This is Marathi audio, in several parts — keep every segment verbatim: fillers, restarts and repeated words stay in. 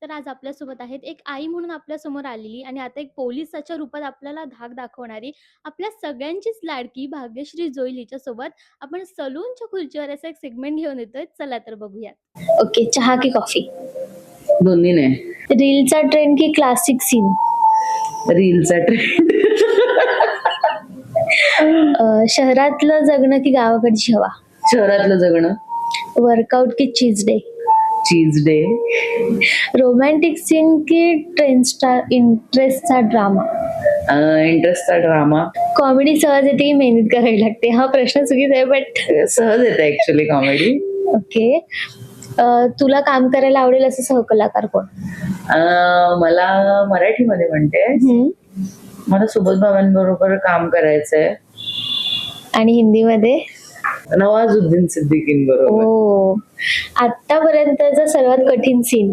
तर आज आपल्यासोबत आहेत एक आई म्हणून आपल्यासमोर आलेली आणि आता एक पोलिसाच्या रूपात आपल्याला धाक दाखवणारी आपल्या सगळ्यांचीच लाडकी भाग्यश्री जोईल हिच्यासोबत आपण सलूनच्या खुर्चीवर असा एक सेगमेंट घेऊन येतोय. चला तर बघूयात. ओके, चहा की कॉफी? दोन्ही नाही. रीलचा ट्रेंड की क्लासिक सीन? रीलचा ट्रेंड. शहरातलं जगणं की गावाकडची हवा? शहरातलं जगणं. वर्कआउट की cheat day? Cheat day. Romantic scene की ट्रेंडचा इंटरेस्टचा ड्रामा? इंटरेस्टचा ड्रामा. कॉमेडी सहज येते की मेहनत करावी लागते? हा प्रश्न चुकीचा आहे बट सहज येते ऍक्च्युली कॉमेडी. ओके. तुला काम करायला आवडेल असं सहकलाकार कोण? मला मराठीमध्ये म्हणते मला सुबोध बाबांबरोबर काम करायचंय. आणि हिंदीमध्ये? नवाजुद्दीन सिद्दीकींबरोबर. हो. आतापर्यंतचा सर्वात कठीण सीन?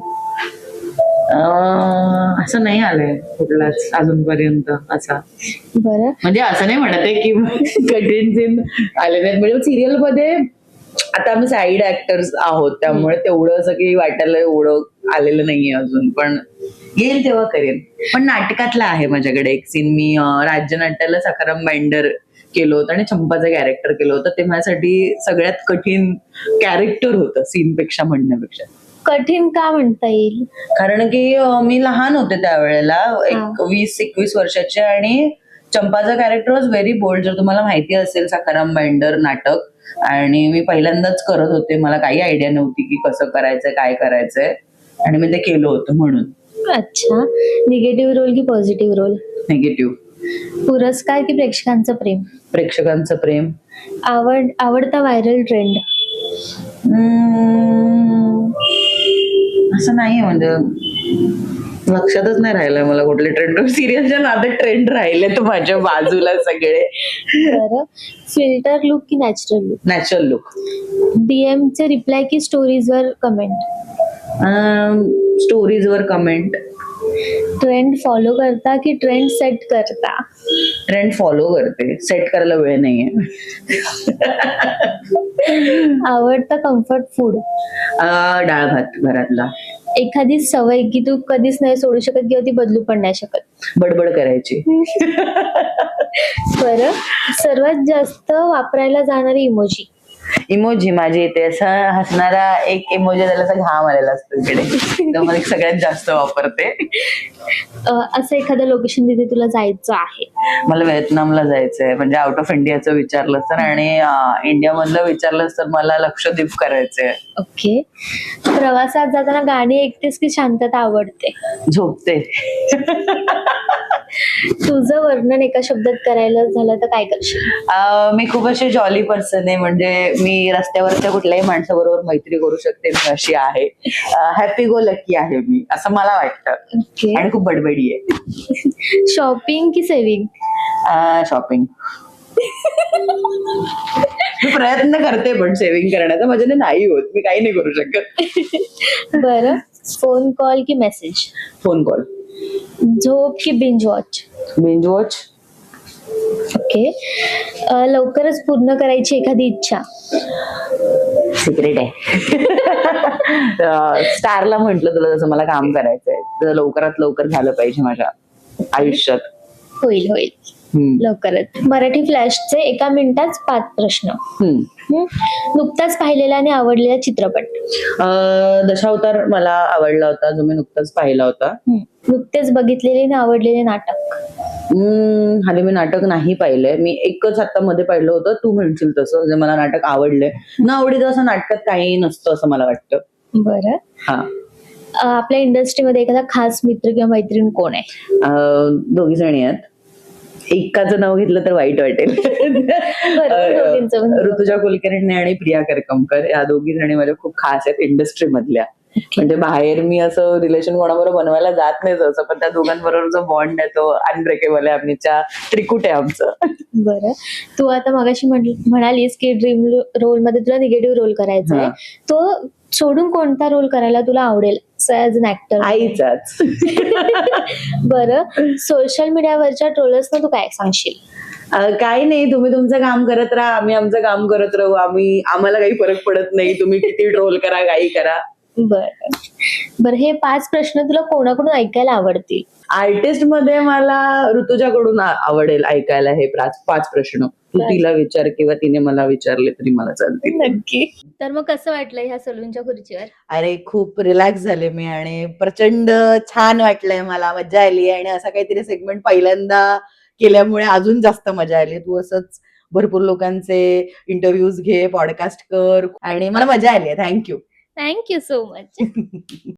असं नाही आलंय कुठलाच अजूनपर्यंत असा. बरं, म्हणजे असं नाही म्हणत आहे की कठीण सीन आले नाहीत. म्हणजे सिरियल मध्ये आता आम्ही साईड ऍक्टर्स आहोत त्यामुळे तेवढं असं की वाटायला एवढं आलेलं नाहीये अजून, पण येईल तेव्हा करेन. पण नाटकातला आहे माझ्याकडे एक सीन. मी राज्यनाट्याला सखाराम बाइंडर केलं होतं आणि चंपाचं कॅरेक्टर केलं होतं. ते माझ्यासाठी सगळ्यात कठीण कॅरेक्टर होतं सीन पेक्षा म्हणण्यापेक्षा. कठीण का म्हणता येईल? कारण की मी लहान होते त्यावेळेला, एक वीस एकवीस वर्षाचे, आणि चंपाचं कॅरेक्टर वॉज व्हेरी बोल्ड. जर तुम्हाला माहिती असेल सखाराम बाइंडर नाटक, आणि मी पहिल्यांदाच करत होते. मला काही आयडिया नव्हती की कसं करायचंय काय करायचंय, आणि मी ते केलं होतं म्हणून. अच्छा. निगेटिव्ह रोल की पॉझिटिव्ह रोल? निगेटिव्ह. पुरस्कार की प्रेक्षकांचं प्रेम? प्रेक्षकांचं प्रेम. आवड आवडता व्हायरल ट्रेंड? असं नाही, म्हणजे लक्षातच नाही राहिलंय मला कुठले ट्रेंड. सिरियलच्या नादात ट्रेंड राहिले तर माझ्या बाजूला सगळे. बरं. फिल्टर लुक की natural look? Natural look. DM चे रिप्लाय की स्टोरीज वर कमेंट? स्टोरीज वर कमेंट. ट्रेंड फॉलो करता की ट्रेंड सेट करता? ट्रेंड फॉलो करते, सेट करायला वेळ नाहीये. आवडता कम्फर्ट फूड? डाळ भात घरातला. एखादी सवय की तू कधीच नाही सोडू शकत किंवा ती बदलू पण नाही शकत? बडबड करायची. बरं. सर्वात जास्त वापरायला जाणारी इमोजी? इमोजी माझी इथे असा हसणारा एक इमोजी, त्याला असा घाम आलेला असतो इकडे, तो मला सगळ्यात जास्त वापरते. असं एखादं लोकेशन तिथे तुला जायचं आहे? मला व्हिएतनामला जायचंय. म्हणजे आउट ऑफ इंडियाचं विचारलं तर, आणि इंडिया मधलं विचारलं तर मला लक्षद्वीप करायचंय. ओके. प्रवासात जाताना गाणी ऐकतेस की शांतता आवडते? झोपते. तुझं वर्णन एका शब्दात करायला झालं तर काय करशील? मी खूप अशी जॉली पर्सन आहे. म्हणजे मी रस्त्यावरच्या कुठल्याही माणसाबरोबर मैत्री करू शकते. मी अशी आहे. हॅपी गो लकी आहे मी, असं मला वाटतं. ओके. आणि खूप बडबडी आहे. शॉपिंग की सेव्हिंग? शॉपिंग. मी प्रयत्न करते पण सेव्हिंग करण्याचा माझ्याने नाही होत. मी काही नाही करू शकत. बरं. फोन कॉल की मेसेज? Phone call. झोप की binge watch? Binge watch. Okay. लवकरच पूर्ण करायची एखादी इच्छा? सिक्रेट आहे. स्टारला म्हंटल तुला जसं मला काम करायचंय तर लवकरात लवकर झालं पाहिजे माझ्या आयुष्यात. होईल होईल लवकरच. मराठी फ्लॅशचे एका मिनिटात पाच प्रश्न. नुकताच पाहिलेला आणि आवडलेला चित्रपट? दशावतार मला आवडला होता, जो मी नुकताच पाहिला होता. नुकतेच बघितलेले आणि आवडलेले नाटक? हल्ली मी नाटक नाही पाहिलंय. मी एकच आता मध्ये पाहिलं होतं, तू म्हणशील तसं, जे मला नाटक आवडलंय. न आवडीचं असं नाटकात काही नसतं असं मला वाटतं. बरं. हा. आपल्या इंडस्ट्रीमध्ये एखादा खास मित्र किंवा मैत्रीण कोण आहे? दोघी जणी आहेत. एकाचं नाव घेतलं तर वाईट वाटेल. ऋतुजा कुलकर्णी आणि प्रिया करकमकर या दोघी जणी माझ्या खूप खास आहेत इंडस्ट्री मधल्या. म्हणजे बाहेर मी असं रिलेशन कोणाबरोबर बनवायला जात नाही असं, पण त्या दोघांबरोबर जो बॉन्ड आहे तो अनब्रेकेबल आहे. आमच्या त्रिकुट आहे आमचं. बरं. तू आता मगाशी म्हणालीस की ड्रीम रोल मध्ये तुला निगेटिव्ह रोल करायचा आहे, तो सोडून कोणता रोल करायला तुला आवडेल ऍज अन ऍक्टर? आईचाच. बरं. सोशल मीडियावरच्या ट्रोलर्सना तू काय सांगशील? काही नाही, तुम्ही तुमचं काम करत राहा, आम्ही आमचं काम करत राहू. आम्ही आम्हाला काही फरक पडत नाही. तुम्ही किती ट्रोल करा, काही करा. बरं बरं हे पाच प्रश्न तुला कोणाकडून ऐकायला आवडतील? आर्टिस्ट मध्ये मला ऋतुजाकडून आ- आवडेल ऐकायला हे पाच पाच प्रश्न. तू बरं. तिला विचार किंवा तिने मला विचारले तरी मला चालतील. नक्की. तर मग कसं वाटलं ह्या सलूनच्या खुर्चीवर? अरे खूप रिलॅक्स झाले मी आणि प्रचंड छान वाटलंय मला, मज्जा आली आणि असा काहीतरी सेगमेंट पहिल्यांदा केल्यामुळे अजून जास्त मजा आली. तू असंच भरपूर लोकांचे इंटरव्ह्यूज घे, पॉडकास्ट कर आणि मला मजा आली. Thank you. Thank you so much.